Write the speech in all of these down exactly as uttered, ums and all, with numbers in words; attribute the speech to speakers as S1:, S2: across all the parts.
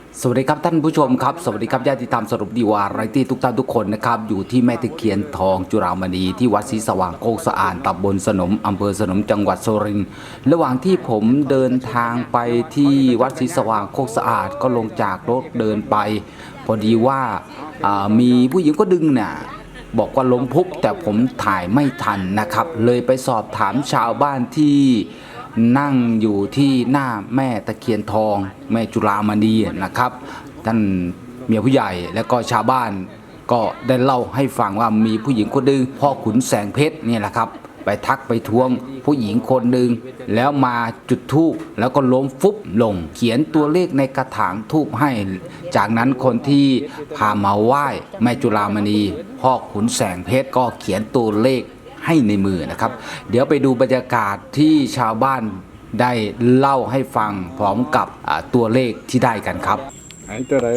S1: สวัสดีครับท่านผู้ชมครับสวัสดีครับญาติธรรมสรุปดีวาไรตี้ทุกท่านทุกคนนะครับอยู่ที่แม่ตะเคียนทองจุฬามณีที่วัดศรีสว่างโคกสะอาดตำบลสนมอำเภอสนมจังหวัดสุรินทร์ระหว่างที่ผมเดินทางไปที่วัดศรีสว่างโคกสะอาดก็ลงจากรถเดินไปพอดีว่ามีผู้หญิงก็ดึงน่ะบอกว่าล้มพุบแต่ผมถ่ายไม่ทันนะครับเลยไปสอบถามชาวบ้านที่นั่งอยู่ที่หน้าแม่ตะเคียนทองแม่จุฬามณีนะครับท่านเมียผู้ใหญ่และก็ชาวบ้านก็ได้เล่าให้ฟังว่ามีผู้หญิงคนหนึ่งพ่อขุนแสงเพชรเนี่ยแหละครับไปทักไปทวงผู้หญิงคนหนึ่งแล้วมาจุดธูปแล้วก็ล้มฟุบลงเขียนตัวเลขในกระถางธูปให้จากนั้นคนที่พามาไหว้แม่จุฬามณีพ่อขุนแสงเพชรก็เขียนตัวเลขให้ในมือนะครับเดี๋ยวไปดูบรรยากาศที่ชาวบ้านได้เล่าให้ฟังพร้อมกับตัวเลขที่ได้กันครับ
S2: ไอ้ตัวไหน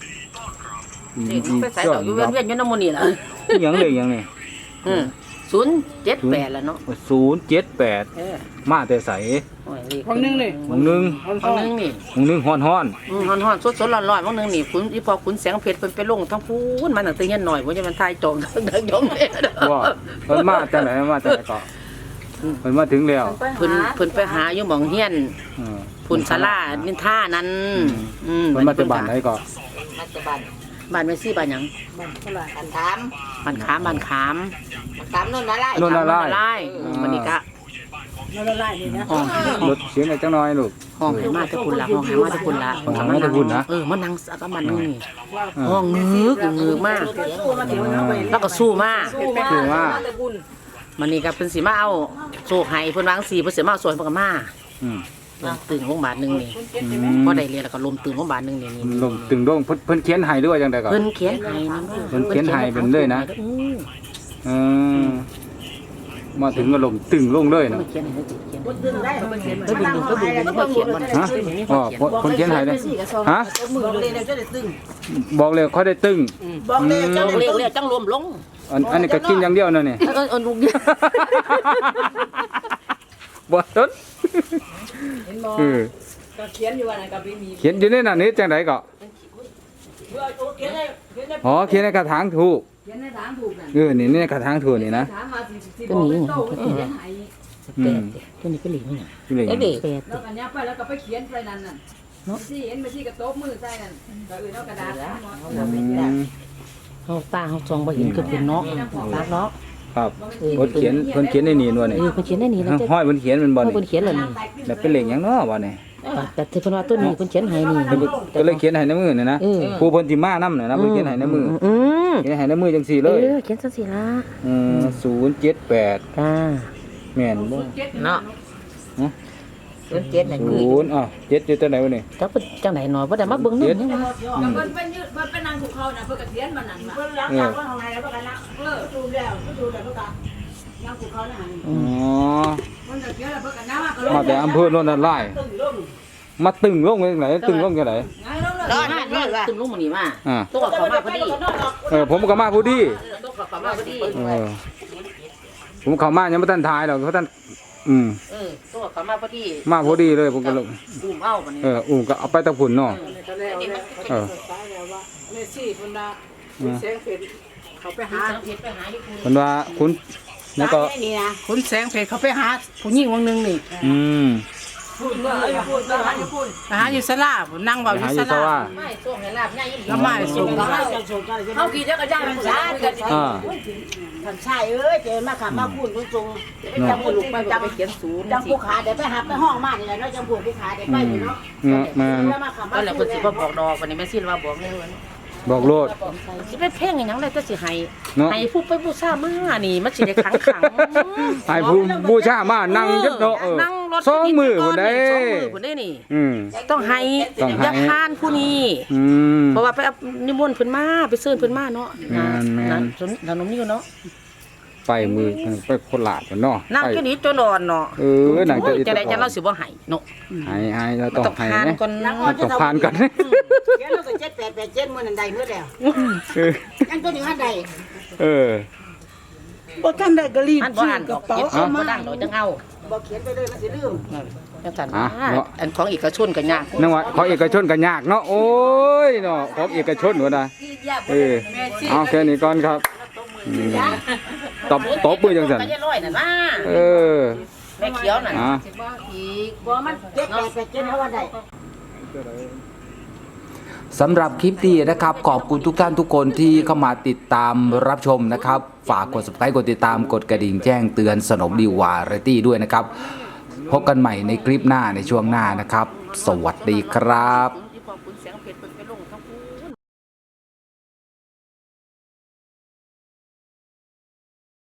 S3: ไปใส่ต่ออยู่เวียนเวียนอยู่น้ำมันนี่แหละ
S2: ยังเลยยังนี่
S3: ศูนย์เจ็ดแปดแล้วเนาะ
S2: ศูนย์เจ็ดแปดมาแต่ใส
S3: บางนึงนี่
S2: บางนึง
S3: บางนึงนี่
S2: บางนึงฮ้อนฮ้อน
S3: ฮ้อนฮ้อนสดสดร้อนร้อนบางนึงนี่คุณอีพอคุณแสงเพชรเป็นไปลงทั้งพูนมันตั้งแต่ยันหน่อยว่าจะมันทายจองทั้งทั้งยงเลย
S2: ว่าเพิ่นมาแต่ไหนมาแต่ไหนก็เพิ่นมาถึงแล้ว
S3: เพิ่นเพิ่นไปหาอยู่หม่องเฮียนพุ่นศาลานินท่านั้น
S2: เพิ่นมาแต่บ้านไหนก็
S3: มาแต่บ้านบ้านแม่ซี่บ้านหยังบ้านขามบ้านขามบ้านขามขามโน่นละลาย
S2: โน่นละลาย
S3: มันนี่ก็
S4: โน่นละลายนี่นะ
S2: รถเสียงจังน้อยลูก
S3: ห้องให้มาแต่คุณละห้องให้มาแต่คุณละ
S2: ห้องให้มาแต่คุณนะ
S3: เออมานั่งสักมันนี่ห้องงึกงึกมากแล้วก็สู้มาก
S2: สู้มาก
S3: มันนี่ก็เพิ่นสิมาเอาโซ่ให้เพิ่นวางสีเพิ่นสิมาเอาส่วนเพิ่นก็มาตึงโรงพยาบาลนึงนี่พอได้เรียนแล้วก็ลมตึงโรงพยาบาลนึงนี่
S2: ลมตึงโรงเพิ่นเขียนให้ด้วยจังได๋ก็
S3: เพิ่นเขียนให้น
S2: ำเพิ่นเขียนให้เป็นเลยนะเออมาถึงก็ลมตึงลงเลยนะ
S3: เขียนให้เขียนตึงได้เพิ่นเขียนเพิ่นดึงเพิ่นดึงเพิ่นเขียนมัน
S2: ฮะอ๋อเพิ่นเขียนให้เลยฮะบอกเลยเขาได้ตึง
S3: บอกเลยจังเรียกเรียกจังรวมลง
S2: อันนี้ก็กินอย่างเดียวนั่นนี่
S3: เออลูกเดียว
S2: บ่ต้น
S4: เออก็เขียนอยู่ว่าไหนก็มี
S2: เขียนอยู่ในนั้นนี่จังได๋ก็อ๋อเขียนในกระถางถูก
S4: เขียนในกระถางถูกนั่น
S2: เออนี่ในกระถางถูกนี่นะ
S3: ก็มีอืมตัวนี้ก็เหลียงนี่
S4: เด็กแล้วอันนี้ไปแล้วก็ไปเขียนไปนั่นน่ะสิเห็นไปที่กระโต๊ะมือใส่นั่นก็อื่นเอากระดาษ
S3: เฮาตาเฮาจองบ่เห็นคือเพิ่นเนาะตาเนาะ
S2: ครับเพิ่นเขียนเพิ่นเขียนในนี่นู่นนี่
S3: เออเพิ่นเขียนในนี่
S2: แล้วห้อยเพิ่นเขียนมันบ่นี่
S3: เพิ่นเขียนแล้วนี่
S2: แล้วเป็นเลขหยังเนาะบ่นี่
S3: แต่เพิ่นว่าต้นนี้เพิ่นเขียนให้นี่
S2: ก็เลยเขียนให้ในมือนี่นะผู้เพิ่นสิมานำน่ะนะเพิ่นเขียนให้ในมือ
S3: อือ
S2: เขียนให้ในมือจังซี่เลย
S3: เออเขียนจังซี่ล่ะ
S2: อือศูนย์เจ็ดแปด
S3: จ้า
S2: แม่นบ่
S3: เนาะฮะศูนย์เจ็ดนั่นคือ
S2: ศูนย์อ้าวเจ็ดอยู่ตัวไหนวะนี่
S3: จักเพิ่นจังได๋เนาะบ่ได้มาเบิ่งนำนี่ว่า
S4: เพิ่นเป็นยืดเพิ่นเป็นนางถูกเขาน่ะเพิ่นก็เขียนมานั่นน่ะเพิ่นล้างจากข้างในแล้วเพิ่นก็นั่งเออดูแล้วดูแล้วเพิ่นก็นั่งถูกเขาน่ะอ๋อเพิ่นก็เขียนแล้วเพิ่นก็นั่ง
S2: มาแต่อำเภอโน่นน่ะหลายมาตึงลงจังได๋ตึงลงจังได๋
S3: ร้อนๆตึงลงมื้อนี้มาตัวเขามาพอดี
S2: เออผมก็มาพอดี
S3: ตัวเขามาพอดี
S2: เออผมเข้ามายังบ่ทันถ่ายดอกเพราะท่านอืม
S3: เออตัวเขามาพอดี
S2: มาพอดีเลยผมก็ลง
S3: อุ้มเอาบัดนี้
S2: เอออุ้มก็เอาไปตะพุ่นเนาะ
S4: เออแม่ซี่เพิ่นน่ะคุณแสงเพชรเขาไปหาเพชรไปหาอยู่คุณ
S2: เพิ่นว่าคุณแล้วก็
S4: นี่นะคุณแสงเพชรเขาไปหาผู้หญิงวงนึงนี่
S2: อืม
S4: พูดเมื่อพูดหาอยู่พูดหาอยู่ศาลานั่งเว้าอยู่ศาลา
S3: ไม่ส่งให้ลาบใหญ่
S4: แล้วไม่ส่งเฮาขี่จักรยานมันช้ากันอ่าท่านชายเอ้ยเจอมาขับมาพูดเพิ่นส่งจังผู้ลูกไปจังไปเขียนศูนย์จังผู้ขาได้ไปหาไปห้องมานี่แหละเนาะจังผู้ผู้ขาได้ไปนี่เนาะ
S2: แม่น
S3: ก็แล้วเพิ่นสิบ่บอกดอกวันนี้แม่ซิว่าบอกเลย
S2: บอกโลด
S3: สิไปเพ่งอีหยังเลยแต่สิให้ให้ผู้ไปบูชามานี่มันสิได้ขังขัง
S2: ให้ผู้บูชามานั่งยึดเนาะเออสองมือพุ่นได้
S3: สองมือพุ่นได้นี่อืมต้องให้อย่าทานผู้นี้
S2: อืม
S3: เพราะว่าไปนิมนต์เพิ่นมาไปเชิญเพิ่นมาเนาะนั่นถนนนี้เนาะ
S2: ไปมือไปโคราชเนาะ
S3: นั่งแค่นี้ตัวดอนเนาะ
S2: เออนั่งจะ
S3: จะได้จะเราสิบ่ให้เนาะ
S2: ให้ให้เราต้องให้นะต้องผ่านกัน
S4: เดี๋ยวเราก็เจ็ดแปดแปดเจ็ดมื้อนั้นได้มื้อแล้วยังตัวนี้หันได้
S2: เออ
S4: บ่ทันได้ก็รีบซื้อกระเป๋าเอามา
S3: ดังโดยจังเอา
S4: บ่เขียนไปเลยมันสิลืม
S3: จังซั่น
S2: อ่ะ
S3: ว่า
S2: เนาะ
S3: อันของเอกชนก็ยาก
S2: นึกว่าของเอกชนก็ยากเนาะโอ้ยเนาะของเอกชนหัวนะเออเอาแค่นี้ก่อนครับอืมตบตบมือจังซั่น
S3: ก็จะร้อยนั่นว่า
S2: เออ
S3: แม่เขียวนั่น
S2: อ่ะ
S3: สิบ่อีก
S4: บ่มันเจ็ดแปดแปดเจ็ดเท่าวันใด
S1: สำหรับคลิปนี้นะครับขอบคุณทุกท่านทุกคนที่เข้ามาติดตามรับชมนะครับฝากกด subscribe กดติดตามกดกระดิ่งแจ้งเตือนสนมดีวาไรตี้ด้วยนะครับพบกันใหม่ในคลิปหน้าในช่วงหน้านะครับ สวัสดีครับ